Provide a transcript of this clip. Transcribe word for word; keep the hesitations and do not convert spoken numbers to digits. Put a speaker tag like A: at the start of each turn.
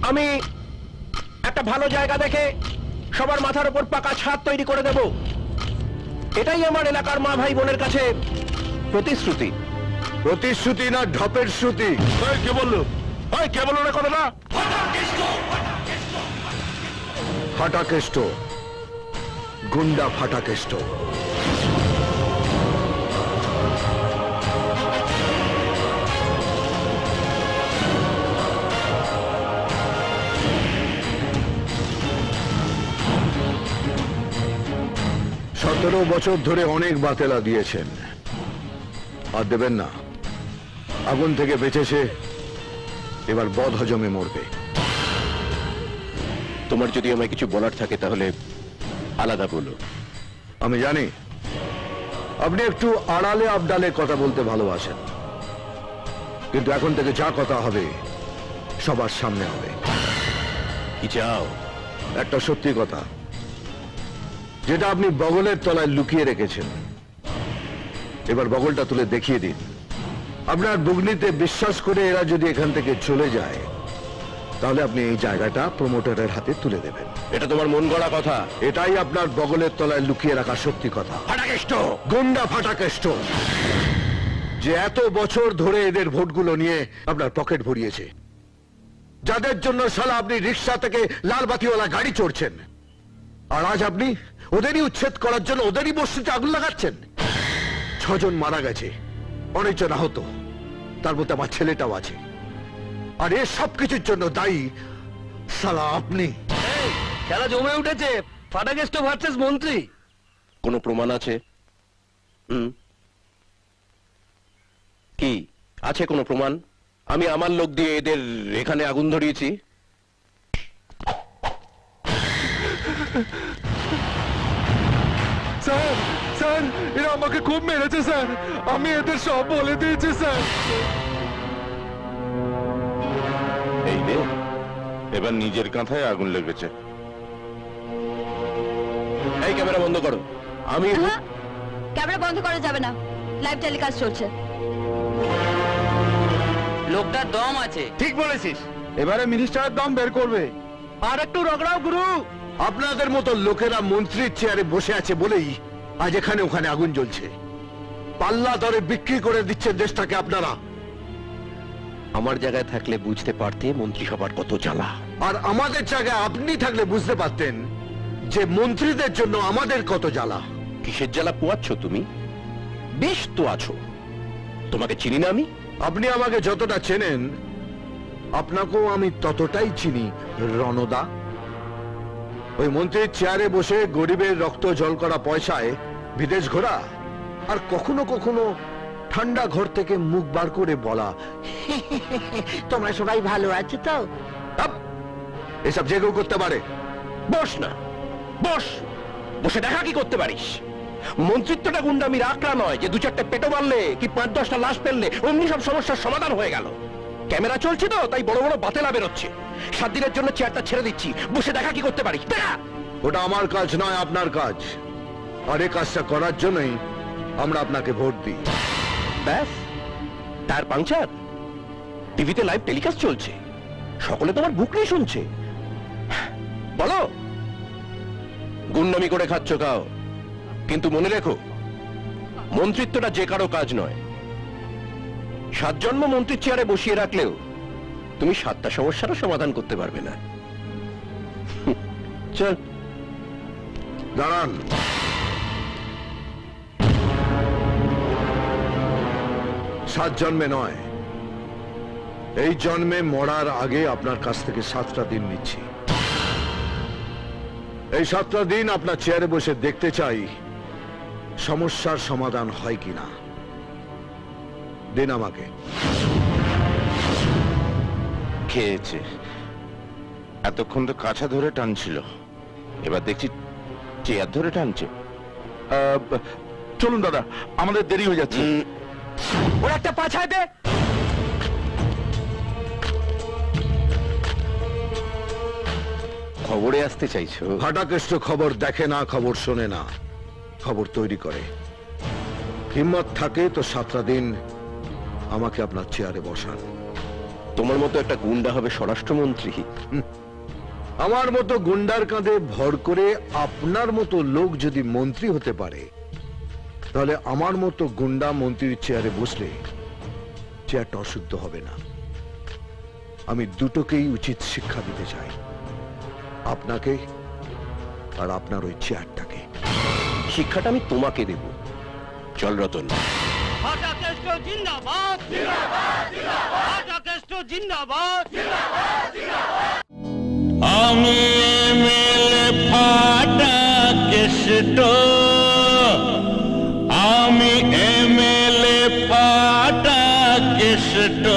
A: আমি একটা ভালো জায়গা দেখে সবার মাথার উপর পাকা ছাদ তৈরি করে দেব। এটাই আমার এলাকার মা ভাই বোনের কাছে প্রতিশ্রুতি।
B: প্রতিশ্রুতি না ঢপের শ্রুতি?
A: কে বললো? কে বললো না কথাটা?
B: ফাটাকেষ্ট, গুন্ডা ফাটাকেষ্ট। সতেরো বছর ধরে অনেক বাতেলা দিয়েছেন, আর দেবেন না। আগুন থেকে বেঁচেছে, এবার বদ হজমে মরবে।
A: তোমার যদি আমায় কিছু বলার থাকে তাহলে আলাদা বলো।
B: আমি জানি আপনি একটু আড়ালে আবডালে কথা বলতে ভালোবাসেন, কিন্তু এখন থেকে যা কথা হবে সবার সামনে হবে।
A: কি চাও?
B: একটা সত্যি কথা, যেটা আপনি বগলের তলায় লুকিয়ে রেখেছেন, এবার বগলটা তুলে দেখিয়ে দিন। আপনার বুগনিতে বিশ্বাস করে এরা যদি এখান থেকে চলে যায়, তাহলে আপনি এই জায়গাটা প্রমোটারের হাতে তুলে দেবেন।
A: এটা তোমার মন গড়া কথা?
B: এটাই আপনার বগলের তলায় লুকিয়ে রাখা সত্যি কথা।
A: ফাটাকেষ্ট,
B: গুন্ডা ফাটাকেষ্ট, যে এত বছর ধরে এদের ভোটগুলো নিয়ে আপনার পকেট ভরিয়েছে, যাদের জন্য শালা আপনি রিক্সা থেকে লাল বাতিওয়ালা গাড়ি চড়ছেন, আর আজ আপনি ওদেরই উচ্ছেদ করার জন্য ওদেরই বস্তিতে আগুন লাগাচ্ছেন। ছজন মারা গেছে, অনেকজন আহত, তার মধ্যে আমার ছেলেটাও আছে। আর এর সবকিছুর জন্য দায়ী শালা আপনি।
C: খেলা জমে উঠেছে, ফাটাকেষ্ট ভার্সেস মন্ত্রী।
A: কোনো প্রমাণ আছে? হুম, কি আছে কোনো প্রমাণ? আমি আমার লোক দিয়ে এদের এখানে আগুন ধরিয়েছি।
D: স্যার স্যার এরা আমাকে খুব মেরেছে স্যার, আমি এদের সব বলে দিয়েছি স্যার।
E: এই রে, এবার নিজের কাঁথায় আগুন লেগেছে।
A: এই ক্যামেরা বন্ধ করো। আমি
F: ক্যামেরা বন্ধ করা যাবে না, লাইভ টেলিকাস্ট চলছে।
C: লোকটার দম আছে।
D: ঠিক বলেছিস, এবারে মিনিস্টারের দম বের করবে।
C: আর একটু রগড়াও গুরু।
B: আপনাদের মতো লোকেরা মন্ত্রীর চেয়ারে বসে আছে বলেই আজ এখানে ওখানে আগুন জ্বলছে। পাল্লা দরে বিক্রি করে দিচ্ছেন দেশটাকে আপনারা।
A: আমার জায়গায় থাকলে বুঝতে পারতে মন্ত্রিসভার কত জ্বালা।
B: আর আমাদের জায়গায় আপনি থাকলে বুঝতে পারতেন যে মন্ত্রীদের জন্য আমাদের কত জ্বালা।
A: কিসের জ্বালা পোয়াচ্ছ তুমি? বেশ তো আছো। তোমাকে চিনি না আমি?
B: আপনি আমাকে যতটা চেনেন, আপনাকেও আমি ততটাই চিনি রণদা। ওই মন্ত্রীর চেয়ারে বসে গরিবের রক্ত জল করা পয়সায় বিদেশ ঘোরা, আর কখনো কখনো ঠান্ডা ঘর থেকে মুখ বার করে বলা, তোমরা সবাই ভালো আছো তো। আপ! এসব যে কেউ করতে পারে।
A: বস না, বস। বসে দেখা কি করতে পারিস? মন্ত্রিত্বটা গুন্ডামির আকড়া নয় যে দু চারটে পেটো মারলে কি পাঁচ দশটা লাশ ফেললে অমনি সব সমস্যার সমাধান হয়ে গেল। ক্যামেরা চলছে তো, তাই বড় বড় বাতেলা বেরোচ্ছে। সাত দিনের জন্য চেয়ারটা ছেড়ে দিচ্ছি, বসে দেখা কি করতে পারিস দেখা।
B: ওটা আমার কাজ নয়, আপনার কাজ। আর এই কাজটা করার জন্যই আমরা আপনাকে ভোট দিই।
A: ব্যাস, তার পাংচার। টিভিতে লাইভ টেলিকাস্ট চলছে, সকলে তোমার বুক নিয়ে শুনছে। বলো, গুন্ডামি করে খাচ্ছ খাও, কিন্তু মনে রেখো মন্ত্রিত্বটা যে কারো কাজ নয়। সাত জন্ম মন্ত্রীর চেয়ারে বসিয়ে রাখলেও তুমি সাতটা সমস্যারও সমাধান করতে পারবে না। চল
B: দাঁড়ান। সাত জন্মে নয়, এই জন্মে মরার আগে আপনার কাছ থেকে সাতটা দিন নিচ্ছি। এই সাতটা দিন আপনার চেয়ারে বসে দেখতে চাই সমস্যার সমাধান হয় কিনা। দিন আমাকে।
E: খেয়েছে, এতক্ষণ তো কাছা ধরে টানছিল, এবার দেখছি চেয়ার ধরে টানছে। আহ, চলুন দাদা, আমাদের দেরি হয়ে যাচ্ছে।
C: ওর একটা পাছায় দে।
A: খবরে আসতে চাইছো?
B: ফাটাকেষ্ট খবর দেখে না, খবর শোনে না, খবর তৈরি করে। হিম্মত থাকে তো সাতটা দিন আমাকে আপনার চেয়ারে বসান।
A: তোমার মতো একটা গুন্ডা হবে স্বরাষ্ট্রমন্ত্রী?
B: আমার মতো গুন্ডার কাঁধে ভর করে আপনার মতো লোক যদি মন্ত্রী হতে পারে, তাহলে আমার মতো গুন্ডা মন্ত্রীর চেয়ারে বসলে চেয়ারটা অশুদ্ধ হবে না। আমি দুটোকেই উচিত শিক্ষা দিতে চাই, আপনাকে আর আপনার ওই চেয়ারটাকে।
A: শিক্ষাটা আমি তোমাকে দেব। চল রতন।
C: ফাটা কেষ্ট জিন্দাবাদ জিন্দাবাদ জিন্দাবাদ ফাটা কেষ্ট জিন্দাবাদ জিন্দাবাদ জিন্দাবাদ আমি এমএলএ ফাটা কেষ্ট আমি এমএলএ ফাটা কেষ্ট